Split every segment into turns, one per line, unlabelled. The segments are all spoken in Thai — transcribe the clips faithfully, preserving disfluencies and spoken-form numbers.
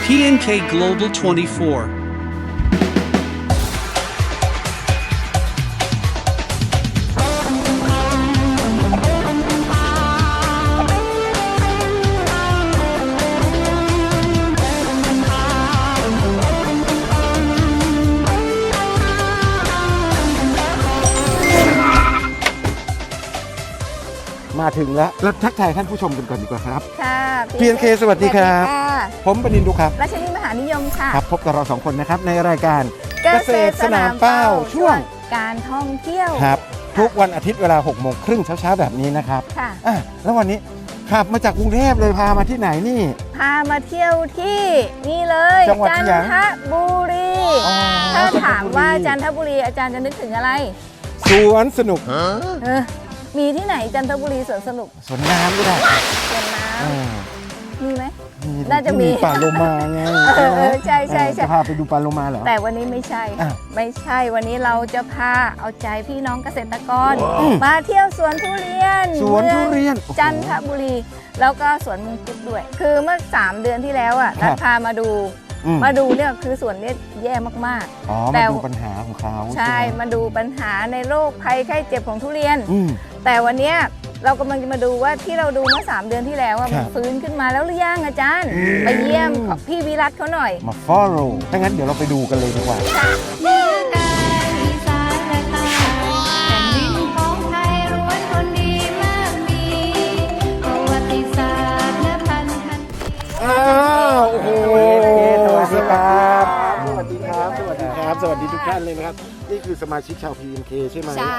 พี เอ็น เค Global ยี่สิบสี่
มาถึงแล้วแล้วทักทายท่านผู้ชมกันก่อนดีกว่าครับ
ค่ะ
พี เอ็น เค สวัสดีครับผมปนินทร์ดุครับ
ราชนีมหานิยมค่ะ
ครับพบกับเราสองคนนะครับในรายการ
เกษตรสนามเป้า
ช่วง
การท่องเที่ยว
ครับทุกวันอาทิตย์เวลาหกโมงครึ่งเช้าๆแบบนี้นะครับ
ค่ะ
อ่ะแล้ววันนี้ขับมาจากกรุงเทพเลยพามาที่ไหนนี่
พามาเที่ยวที่นี่เลย
จังหวัด
จัน
ที่ไหน
ทบุรี
อ๋อ
ถ้าถามว่า
จั
จั
น
น
ท
ท
บุ
บุ
รี
รีอาจารย์จะนึกถึงอะไร
สวนสนุก
เออมีที่ไหนจันทบุรีสวนสนุก
สวนน้ำก็ได้
สวนน้
เออ
ำมีไหม
มี
น่าจะมี
ที่ป่าโลมาไง
เออเออใช่ใช่ใช่
จะพาไปดูป่าโลมาเหรอ
แต่วันนี้ไม่ใช่
อ่ะ
ไม่ใช่วันนี้เราจะพาเอาใจพี่น้องเกษตรกร
อืม
มาเที่ยวสวนทุเรียน
สวนทุเรียน
มืองจันทบุรี แล้วก็สวนมังคุดด้วย คือเมื่อสามเดือนที่แล้วอ่ะ
ครั
รับ ฐพามาดู
อืม
มาดูเนี่ยคือสวนเนี่ยแย่มาก
อ๋อ
แต่
มาดูปัญหาของเขา
ๆ
ใช่
ใช่
ไหม
มาดูปัญหาในโรคภัยไข้เจ็บของทุเรียน
อืม
แต่วันเนี้ยเรากำลังจะมาดูว่าที่เราดูเมื่อสามเดือนที่แล้วอ่ะ
ครั
มั
บ
นฟื้นขึ้นมาแล้วหรือยังอาจารย์ ไปเยี่ยมพี่วิรัตเขาหน่อย
มา follow ถ้างั้นเดี๋ยวเราไปดูกันเลยดีกว่า
เหนือกลางอีสานและใต้แผ่นดินของไทยล้วนคนดีมากมีประวัติศาสตร์และพันธะ
อ้าวโอ้โห
สวัสดีครับ
สวัสดีครับ สวัสดีครับ สวัสดีทุกท่านเลยนะครับ นี่คือสมาชิกชาว พี เอ็น เค ใช่ไหม
ใช่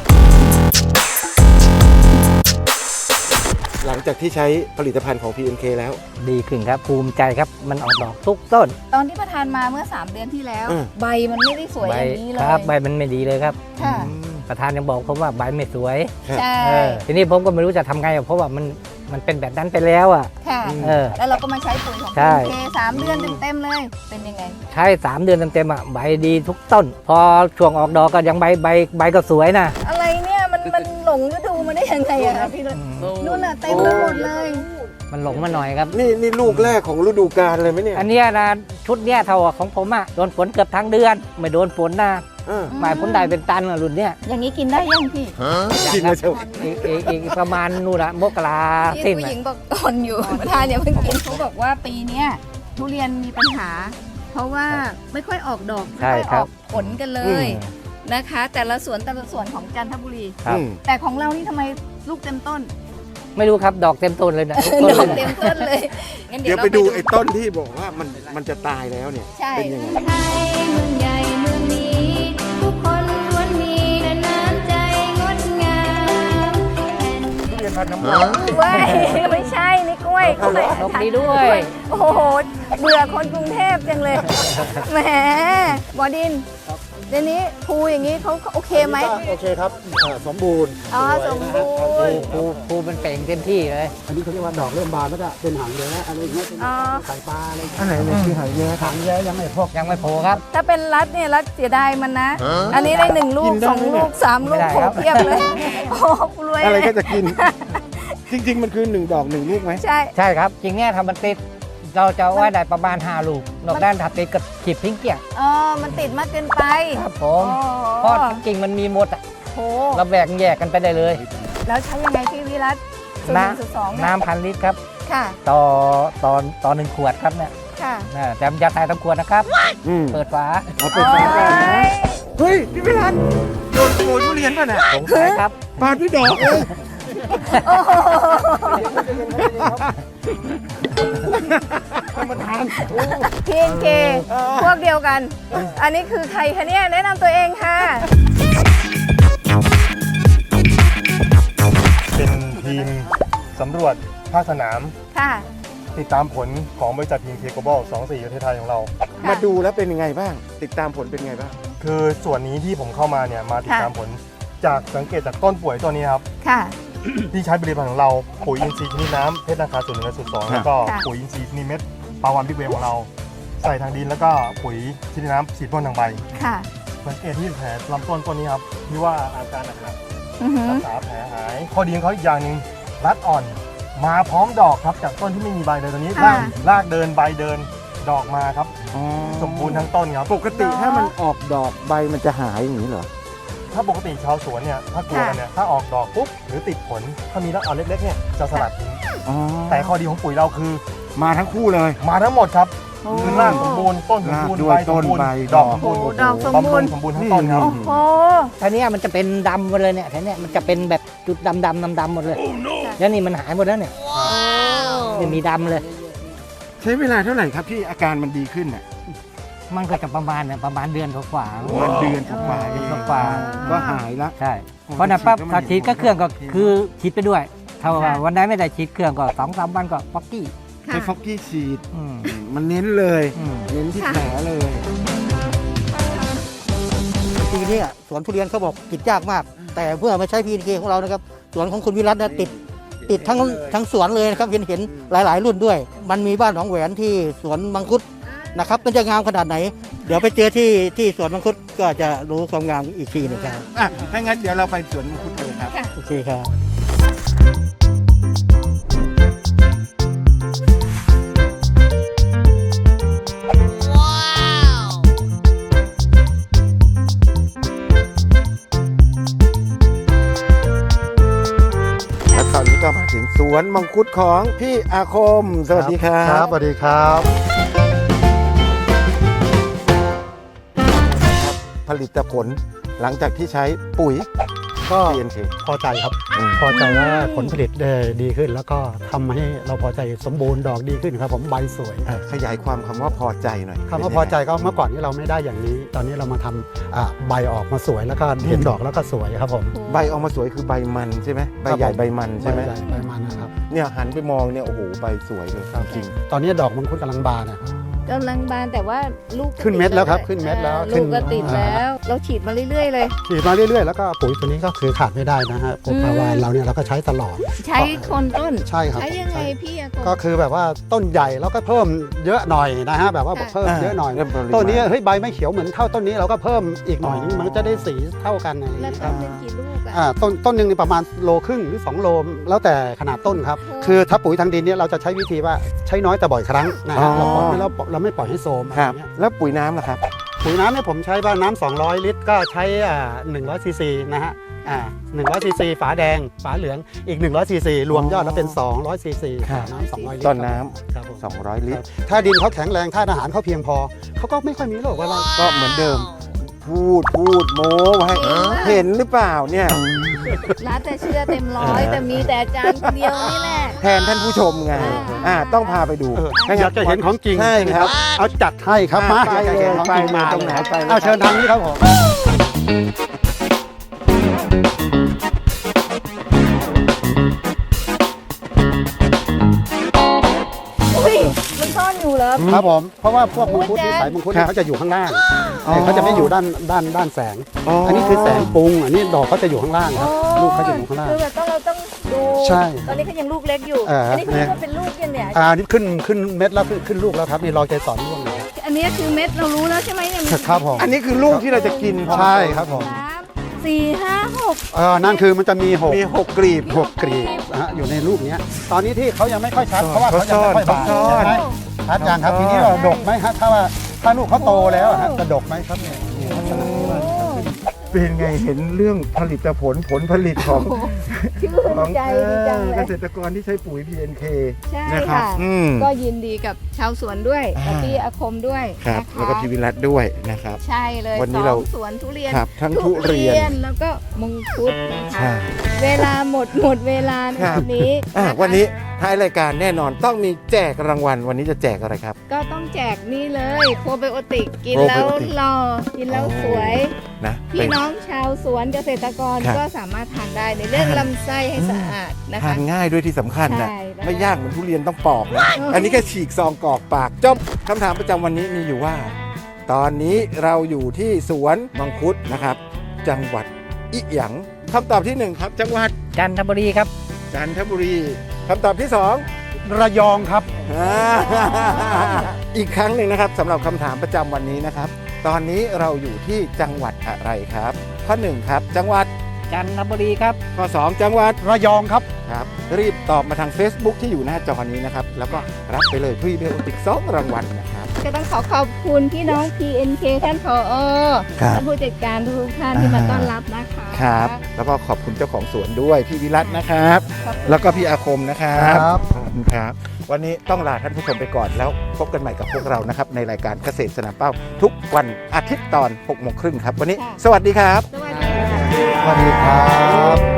หลังจากที่ใช้ผลิตภัณฑ์ของ พี เอ็น เค แล้ว
ดีขึ้นครับภูมิใจครับมันออกดอกทุกต้น
ตอนที่ประธานมาเมื่อสามเดือนที่แล้ว
อืม
ใบมันไม่ได้สวย
ใบ
อย่างนี้เลย
ครับใบมันไม่ดีเลยครับ
ค่ะ
ประธานยังบอกผมว่าใบไม่สวย
ใช่
เออทีนี้ผมก็ไม่รู้จะทำไงอะเพราะว่ามันมันเป็นแบบนั้นไปแล้วอ่ะ
ค่ะ
เออ
แล้วเราก็มาใช้ปุ๋ยของ
ใช่
พี เอ็น เค สามเดือนเต็มๆเลย เป็นยังไง
ใช้สามเดือนเต็มๆอ่ะใบดีทุกต้น พอช่วงออกดอกก็ยังใบใบใบก็สวยนะ
อะไรเนี่ยมันมันหลงฤดูมาได้ยังไงอะคะพี่นุ่นนู่นน่ะเต็มไปหมดเลย
มันหลงมาหน่อยครับ
นี่นี่ลูกแรกของฤดูกาลเลยไหมเนี่ย
อันเนี้ยนะชุดเนี้ยเท่ากับของผมอ่ะโดนฝนเกือบทั้งเดือน ไม่โดนฝนนะ
เออ
หมายผลได้เป็นตันอะรุ่นเนี้ย
อย่างนี้กินได้ยังพี่
กินมาเชียว
อีกอีกอีกประมาณนู่นละมกรา
ที่
สิ้น
ผู้ห
อะ
ญิงบอกตอนอยู่ ประธานอย่าเพิ่งกินเขาบอกว่าปีเนี้ยทุเรียนมีปัญหา เพราะว่าไม่ค่อยออกดอกไม่
ใช่
ค่อย
ค
อ
รั
อบ กผลกันเลย นะคะ แต่ละสวนแต่ละสวนของจันทบุรี
ครับ
อืม
แต่ของเรานี่ทำไมลูกเต็มต้น
ไม่รู้ครับดอกเต็มต้นเลยนะทุก
ด
ต้น
อก
เลย
เต็ม
นะ
ต้นเลยงั้น
เดี๋ยว
รา
ไปดูไอ้ต้นที่บอกว่ามันมันจะตายแล้วเนี่ย
ใช่
เป็นยังไง
ไทยเมืองใหญ่เมืองนี้ ทุกคนล้วนมีแต่น้ำใจงดงามแผ่น
เว้ยไม่ใช่นี่กล้วยกล้วย
นกดีด้วย
โอ้โหเบื่อคนกรุงเทพจังเลยแหมบอดินเดี๋ยวนี้ภูอย่างนี้เขาโอเคไหม
โอเคครับอ่าสมบูรณ์
อ๋อสมบูรณ์
ครูครูมันเป่งเต็มที่เลย
อันนี้เขาเรียกว่าดอกเริ่มบานแล้วก็เป็นหางแย้อะไรอย่างเงี้ยเป็น
อ๋อ
ไข่ปลาอะไร
อันไหนเนี่ยคือหายแย่ครับ
หางแย้ยังไม่พอก
ยังไม่โผล่ครับ
ถ้าเป็นรัดเนี่ยรัดเสียดายมันนะ อันนี้ได้หนึ่งลู
กิ
ก
นได้
สอง
ไหมเนี่ย
ลูกสามลูก
ไม่ได้
โผล่
ครับ
เทียบเลยโอ้โหรวย
อะไร
เลย
ก็จะกิน จริง ๆ มันคือหนึ่งดอกหนึ่งลูกไหม
ใช่
ใช่ครับ จริงเนี่ยทำมันติด เราจะเอาไว้ได้ประมาณห้าลูก นอกด้านถัดติดกับขีดพิงเกี่ยง
อ๋อมันติดมากเกินไป
ครับผ
โอ้
มเพราะจริงๆมันมีหมดอะ
โห
เราแบ่งแยกกันไปได้เลย
แล้วใช้ยังไงพี่วิรัตสูตรหนึ่งสูตรสองเนี่ย
น้ำพันลิตรครับ
ค่ะ
ต่อต่อต่อหนึ่งขวดครับเนี่ย
ค่ะ
นะแต่อย่าใส่ทั้งขวดนะครับ
อืม
เปิดฝา
เอาไปฝากกันนะ
โอ้ย
เฮ้ย พี่วิรันโดนขโมยทุเรียนป่ะน่ะ
สงสัยครับ
ปาดพี่ดอกเอง
โอ้โห
มันทาน
พี เอ็น เค พวกเดียวกัน อันนี้คือใครคะเนี่ยแนะนำตัวเองค่ะ
เป็นทีมสำรวจภาคสนาม
ค่ะ
ติดตามผลของบริษัท พี เอ็น เค Global สองสี่ประเทศไทยของเรา
มาดูแล้วเป็นยังไงบ้าง ติดตามผลเป็นยังไงบ้าง
คือส่วนนี้ที่ผมเข้ามาเนี่ยมาติดตาม
ค่ะ
ผลจากสังเกตจากต้นป่วยตัวนี้ครับ
ค่ะ
ที่ใช้ผลิตภัณฑ์ของเราปุ๋ยอินทรีย์ชนิดน้ำเพชรนาคาส่วนหนึ่งและส่วนสอง
ค่ะ
แล้วก็
ค่ะ
ปุ๋ยอินทรีย์ชนิดเม็ดปลาวันบิ๊กเวฟของเรา ใส่ทางดินแล้วก็ปุ๋ยชนิดน้ำฉีดพ่นทางใบ
ค่ะ
สังเกตที่แผลลำต้นต้นนี้ครับที่ว่าอาการหนัก
อือหือ
ๆรักษาแผลหายข้อดีของเขาอีกอย่างหนึ่งรัดอ่อน มาพร้อมดอกครับจากต้นที่ไม่มีใบเลยตอนนี้รากรากเดินใบเดินดอกมาครับ
อ๋อ
สมบูรณ์ทั้งต้นครับ
ปกติถ้ามันออกดอกใบมันจะหายอย่างนี้เหรอ
ถ้าปกติชาวสวนเนี่ยถ้ากลัวกันเนี่ยถ้าออกดอกปุ๊บหรือติดผลถ้ามีแล้วเอาเล็กๆเนี่ยจะสลัดทิ้ง
อ๋อ
แต่ข้อดีของปุ๋ยเราคือ
มาทั้งคู่เลย
มาทั้งหมดครับ
โอ้
คือรากสมบูรณ์ต้นสมบูรณ์
รากด้วย
ใบสมบูรณ์
ต้นใบ
ดอกสมบูรณ์
โอ้ดอกสมบูรณ์
บำรุงสมบูรณ์ทั้งต้นครับ
โอ้โห
ทีเนี้ยมันจะเป็นดำหมดเลยเนี่ยทีเนี้ยมันจะเป็นแบบจุดดำดำดำดำๆหมดเลยแล้วนี่มันหายหมดแล้วเนี่ยไม่มีดำเลย
ใช้เวลาเท่าไหร่ครับที่อาการมันดีขึ้นอ่ะ
มันก็จะประมาณเนี่ยประมาณเดือนกว่าๆ
ประมาณเดือนกว่าๆ
เดื
เอ
อน
ง
กว่า
ก็หายละ
ใช่เพราะนั้นปั๊บ
ฉีดแล้วมัน
ถ้าฉีดก็เครื่องก็คือฉีดไปด้วยถ้าว่าวันไหนไม่ได้ฉีดเครื่องก็สองสามวันก็ป๊อกกี้
ใช้ฟอกกี้ฉีด
อืม
มันเน้นเลย
อืม
เน้นที่แผลเลย
ปีนี้อะสวนทุเรียนเขาบอกติดยากมาก แต่เมื่อมาใช้ พี เอ็น เค ของเรานะครับสวนของคุณวิรัตน์นะติดติดทั้งทั้งสวนเลยนะครับเห็นเห็นหลาย ๆ รุ่นด้วย มันมีบ้านหนองแหวนที่สวนมังคุดนะครับมันจะงามขนาดไหน เดี๋ยวไปเจอที่ที่สวนมังคุดก็จะรู้ความงามอีกทีหนึงครับ
อ่ะถ้างั้นเดี๋ยวเราไปสวนมังคุดเลยครับ
โอเคครับ
และตอนนี้ก็มาถึงสวนมังคุดของพี่อาคม สวัสดีครับ
ครับสวัสดีครับ
ผลิตผลหลังจากที่ใช้ปุ๋ย
ก็
พี เอ็น เค
พอใจครับ
อืม
พอใจว่าผลผลิตได้ดีขึ้น แล้วก็ทำให้เราพอใจสมบูรณ์ดอกดีขึ้นครับผมใบสวย
อ่ะขยายความคำว่าพอใจหน่อย
คำว่าพอใจก็เมื่อก่อนที่เราไม่ได้อย่างนี้ ตอนนี้เรามาทำอ่าใบออกมาสวยแล้วก็เห็นดอกแล้วก็สวยครับผม
ใบออกมาสวยคือใบมันใช่ไหมใบใหญ่ใบมันใช่ไหม
ใบญ่ใบมันนะครับ
เนี่ยหันไปมองเนี่ยโอ้โหใบสวยเลยจริง
ตอนนี้ดอกมังคุดกำลังบานนะครับ
กำลังบานแต่ว่าลูกก็
ขึ้นเม็ดแล้วครับ
ติ
ขึ้นเม็ดแล้ว
อ่า
ขึ้
ลู
น
กก็ติดแล้ว เราฉีดมาเรื่อย ๆ เลย
ฉีดมาเรื่อยๆ แล้วก็ปุ๋ยตัวนี้ก็คือขาดไม่ได้นะฮะปุ๋ยปลาวานเราเนี่ยเราก็ใช้ตลอด
ใช้คนต้น
ใช่ครับ
ใช้ยังไง
ใช่
พี่อากง
ก็คือแบบว่าต้นใหญ่แล้วก็เพิ่มเยอะหน่อยนะฮะแบบว่า
ค่ะ
เพิ่มเยอะหน่อย
เริ่มปริมาณ
ต้นนี้เฮ้ยใบไม่เขียวเหมือนเท่าต้นนี้เราก็เพิ่มอีกหน่อยนึงมันก็จะได้สีเท่ากันอะไรอย่าง
แล้ว
เงี้ยค
ต้
รั
น
บ
หนึ่งกี่ลูกอะ
อ่าต้นต้นหนึ่งนี่ประมาณโลครึ่งหรือสองโลแล้วแต่ขนาดต้นครับ
โอ้
คือถ้าปุ๋ยทางดินเนี่ยเราจะใช้วิธีว่าใช้น้อยแต่บ่อยครั้งนะ
อ๋
ฮะ
อ
เราปล่อยไม่เราเราไม่ปล่อยให้โซมอะ
ค
ไร
รับ
เงี้ย
แล้วปุ๋ยน้ำล่ะครับ
ปุ๋ยน้ำเนี่ยผมใช้บ้านน้ำสองร้อยลิตรก็ใช้อ่าหนึ่งร้อยซีซีนะฮะอ่าหนึ่งร้อยซีซีฝาแดงฝาเหลืองอีกหนึ่งร้อยซีซีรวมยอดแล้วเป็นสองร้อยซีซี
ครับ
น้ำสองร้อยลิตร
ต้นน้
ครับผม
สองร้อยลิตร
ถ้าดินเขาแข็งแรงถ้าอาหารเขาเพียงพอเขาก็ไม่ค่อยมีโรคอะไร
ก็เหมือนเดิม พูดพูดโม้ไว้เห็นหรือเปล่าเนี่ย
ร้านแต่เชื่อเต็มร้อยแต่มีแต่อาจารย์คนเดียวนี่แหละ
แทนท่านผู้ชมไง
อ่า
อ่าต้องพาไปดู
เออ
ถ้งั้น
อยากจะเห็นของจริง
ใช่ครับ
เอาจัดให้ครับมา
ไป
อยากจะ
เล
เห็
ย
นของ
ไป
จริง
เลย
มา
ตรงไหนไปเลย
เอาเชิญทางนี้ครับผม
อุ้ยมันซ่อนอยู่เหรอ
ครับผมเพราะว่าพวกมังคุด
โอ้ย
ที่
แจ๊ค
สายมังคุด
ครั
เนี่ย
บ
เขาจะอยู่ข้างล่าง
อ๋อ
เขาจะไม่อยู่ด้านด้านด้านแสง อันนี้คือแสงปรุง อันนี้ดอกเขาจะอยู่ข้างล่างครับ ลูกเขาจะอยู่ข้างล่าง
คือแบบต้องเราต้องดู
ใช่
ตอนนี้เขายังลูกเล็กอยู่
เอออั
อันนี้เขาเรียกว่าเป็นลูกยังเนี่ย
อ่านี่ขึ้นขึ้นเม็ดแล้วขึ้นขึ้นลูกแล้วครับนี่รอใจสอนร่วงเลย
อันนี้คือเม็ดเรารู้แล้วใช่ไหมเนี่ยมัน
ครับผม
อันนี้คือลูกที่เราจะกินพอ
ใช่ครับผม
สามสี่ห้าหก
เออนั่นคือมันจะมีหก
มีหกกลีบ
หกกรีบนะฮะอยู่ในลูกเนี้ยตอนนี้ที่เขายังไม่ค่อยชัดเพราะว่าเขายังไม่ค่อยบาน
ซ่อน
ใช่ไหมชัดยังครับทีนี้เราดกไหมฮะถ้าว่าถ้าลูกเขาโตแล้วอะฮะจะดกไหมครับเนี่ยเนี่ยลักษณะที่ว่า
เป็นไงเห็นเรื่องผลิตผลผลผลิตของ
ชื่น
ของ
ใจดีจัง
เออ
เล
เก
ย
ษตรกรที่ใช้ปุ๋ย พี เอ็น เค
ใช่
นะครับ
ค่ะ
อืม
ก็ยินดีกับชาวสวนด้วยกับ
อ่า
พี่อาคมด้วย
ครับ
นะคะ
แล้วก็พี่วิรัตด้วยนะครับ
ใช่เลย
วันนี้
ส
เรา
องสวนทุเรียน
ครับทั้งทุเรียน
แล้วก็มังคุดนะ
ใช่
คะเวลาหมดหมดเวลาใน
ครับ
วันนี้
อ่ะ
ะคะ
วันนี้ท้ายรายการแน่นอนต้องมีแจกรางวัลวันนี้จะแจกอะไรครับ
ก็ต้องแจกนี่เลยโปรไบโอติกกิน
โปรไบ
แล้ว
โอติก
หล่อกินแล้วสวย
นะ
พี่
เป็น
น้องชาวสวนเกษตรกร
ครับ
ก็สามารถทานได้ในเรื่องลำไส้ให้สะอาดนะ
ทา
คะ
นง่ายด้วยที่สำคัญนะ
ใช่แล้ว
ไม่ยากเหมือนทุเรียนต้องปอกนะ
เอออั
อันนี้แค่ฉีกซองกรอกปากจบคำถามประจำวันนี้มีอยู่ว่า ตอนนี้เราอยู่ที่สวนมังคุดนะครับ จังหวัดอิหยังคำตอบที่หนึ่งครับ จังหวัด
จันทบุรีครับ
จันทบุรีคำตอบที่สอง
ระยองครับ
อ่า อีกครั้งหนึ่งนะครับสำหรับคำถามประจำวันนี้นะครับ ตอนนี้เราอยู่ที่จังหวัดอะไรครับ ข้อหนึ่งครับ จังหวัด
จันทบุรีครับ
ข้อสองจังหวัด
ระยองครับ
ครับรีบตอบมาทาง Facebook ที่อยู่หน้าจอนี้นะครับแล้วก็รับไปเลยพรีเมียมติกสองรางวัลนะครับ
ก็ต้องขอขอบคุณพี่น้อง พี เอ็น เค ท่านผอ
ครับ
ท่านผู้จัดการทุกท่านที่มาต้อนรับนะคะ
ครับแล้วก็ขอบคุณเจ้าของสวนด้วยพี่วิรัตนะครับ
ขอบคุณ
แล้วก็พี่อาคมนะครับ
ครับ
ขอบคุณครับวันนี้ต้องลาท่านผู้ชมไปก่อนแล้วพบกันใหม่กับพวกเรานะครับในรายการเกษตรสนามเป้า ทุกวันอาทิตย์ตอนหกโมงครึ่งครับวันนี้ สวัสดีครับ
สวัสดีค่ะ
สวัสดีครับ